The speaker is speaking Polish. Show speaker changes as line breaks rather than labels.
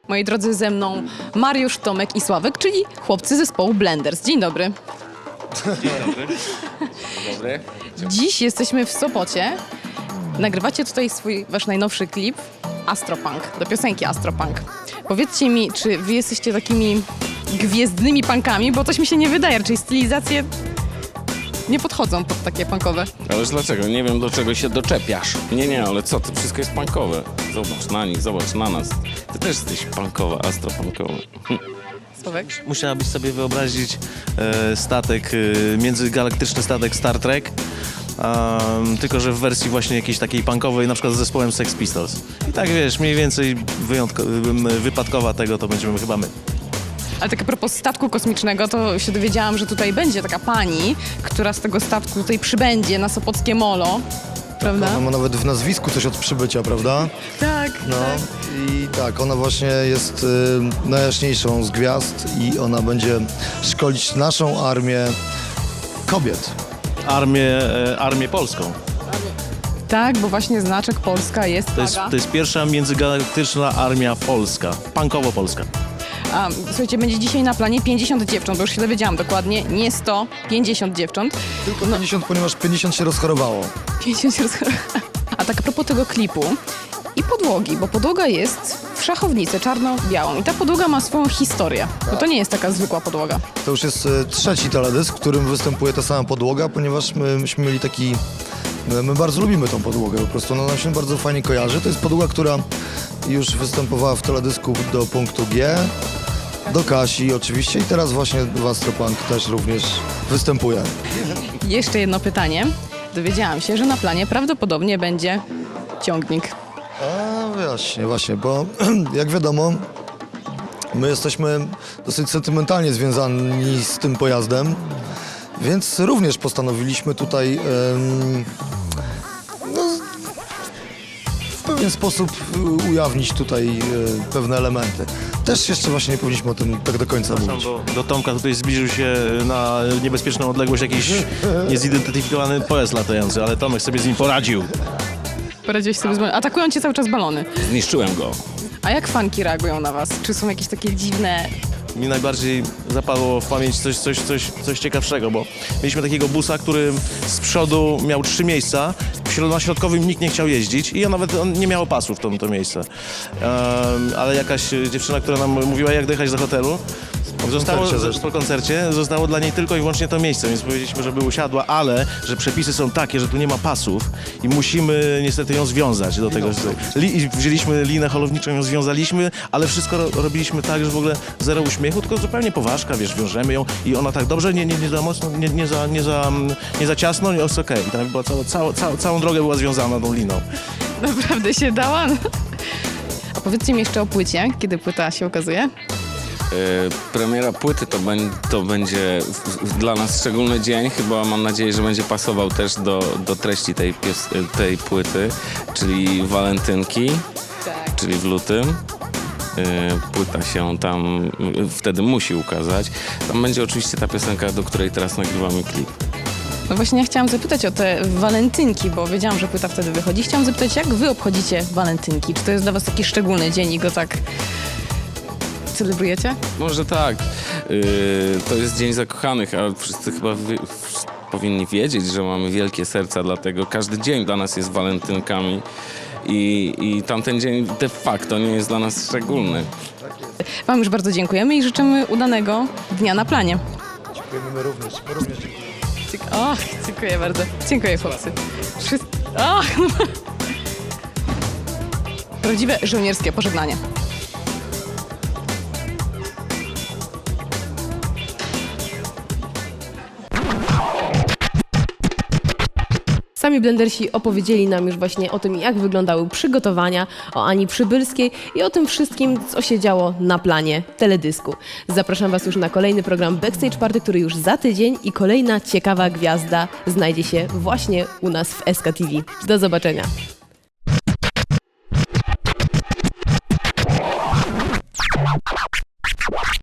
Moi drodzy, ze mną Mariusz, Tomek i Sławek, czyli chłopcy zespołu Blenders. Dzień dobry.
Dzień dobry. Dzień dobry.
Dziś jesteśmy w Sopocie. Nagrywacie tutaj wasz najnowszy klip Astropunk, do piosenki Astropunk. Powiedzcie mi, czy wy jesteście takimi gwiezdnymi punkami, bo coś mi się nie wydaje, raczej stylizacje nie podchodzą pod takie punkowe.
Ależ dlaczego? Nie wiem, do czego się doczepiasz. Nie, ale co ty? Wszystko jest punkowe. Zobacz na nich, zobacz na nas. Ty też jesteś punkowa, astropunkowa.
Sławek?
Musiałabyś sobie wyobrazić statek, międzygalaktyczny statek Star Trek, tylko że w wersji właśnie jakiejś takiej punkowej, na przykład z zespołem Sex Pistols. I tak wiesz, mniej więcej wypadkowa tego to będziemy chyba my.
Ale tak a propos statku kosmicznego, to się dowiedziałam, że tutaj będzie taka pani, która z tego statku tutaj przybędzie na Sopockie Molo, prawda?
Ona ma nawet w nazwisku coś od przybycia, prawda?
Tak,
No
tak.
i tak, ona właśnie jest najjaśniejszą z gwiazd i ona będzie szkolić naszą armię kobiet.
Armię polską.
Tak, bo właśnie znaczek Polska jest
To jest pierwsza międzygalaktyczna armia polska, punkowo-polska.
A, słuchajcie, będzie dzisiaj na planie 50 dziewcząt, bo już się dowiedziałam dokładnie, nie 100, 50 dziewcząt.
Tylko 50, ponieważ 50 się rozchorowało.
50 się A tak a propos tego klipu i podłogi, bo podłoga jest w szachownicy czarno-białą i ta podłoga ma swoją historię, bo to nie jest taka zwykła podłoga.
To już jest trzeci teledysk, w którym występuje ta sama podłoga, ponieważ myśmy mieli taki... My bardzo lubimy tą podłogę, po prostu ona nam się bardzo fajnie kojarzy. To jest podłoga, która już występowała w teledysku do punktu G, do Kasi oczywiście i teraz właśnie w Astropunk też również występuje.
Jeszcze jedno pytanie. Dowiedziałam się, że na planie prawdopodobnie będzie ciągnik.
A właśnie, bo jak wiadomo, my jesteśmy dosyć sentymentalnie związani z tym pojazdem, więc również postanowiliśmy tutaj w pewien sposób ujawnić tutaj pewne elementy. Też jeszcze właśnie nie powinniśmy o tym tak do końca mówić.
Do Tomka tutaj zbliżył się na niebezpieczną odległość jakiś niezidentyfikowany pojazd latający, ale Tomek sobie z nim poradził.
Poradziłeś sobie z balonami. Atakują cię cały czas balony.
Zniszczyłem go.
A jak fanki reagują na was? Czy są jakieś takie dziwne...
Mi najbardziej zapadło w pamięć coś ciekawszego, bo mieliśmy takiego busa, który z przodu miał 3 miejsca, na środkowym nikt nie chciał jeździć i on nie miało pasów to miejsce. Ale jakaś dziewczyna, która nam mówiła, jak dojechać do hotelu, po koncercie zostało dla niej tylko i wyłącznie to miejsce, więc powiedzieliśmy, żeby usiadła, ale że przepisy są takie, że tu nie ma pasów i musimy niestety ją związać do tego. I wzięliśmy linę holowniczą, ją związaliśmy, ale wszystko robiliśmy tak, że w ogóle zero uśmiechu, tylko zupełnie poważka, wiesz, wiążemy ją i ona tak dobrze, nie za mocno, nie za ciasno, jest okej. I tam była całą drogę była związana tą liną.
Naprawdę się dała? A powiedzcie mi jeszcze o płycie, kiedy płyta się ukazuje?
Premiera płyty to będzie dla nas szczególny dzień. Chyba mam nadzieję, że będzie pasował też do treści tej płyty, czyli walentynki,
Tak.
czyli w lutym. Płyta się tam wtedy musi ukazać. Tam będzie oczywiście ta piosenka, do której teraz nagrywamy klip.
No właśnie ja chciałam zapytać o te walentynki, bo wiedziałam, że płyta wtedy wychodzi. Chciałam zapytać, jak wy obchodzicie walentynki? Czy to jest dla was taki szczególny dzień i go tak celebrujecie?
Może tak. To jest Dzień Zakochanych, ale wszyscy chyba powinni wiedzieć, że mamy wielkie serca, dlatego każdy dzień dla nas jest walentynkami i tamten dzień de facto nie jest dla nas szczególny.
Wam już bardzo dziękujemy i życzymy udanego dnia na planie.
Dziękujemy my również dziękujemy.
Och, dziękuję bardzo. Dziękuję, chłopcy. Och, no. Prawdziwe żołnierskie pożegnanie.
Sami Blendersi opowiedzieli nam już właśnie o tym, jak wyglądały przygotowania, o Ani Przybylskiej i o tym wszystkim, co się działo na planie teledysku. Zapraszam Was już na kolejny program Backstage Party, który już za tydzień i kolejna ciekawa gwiazda znajdzie się właśnie u nas w SK TV. Do zobaczenia.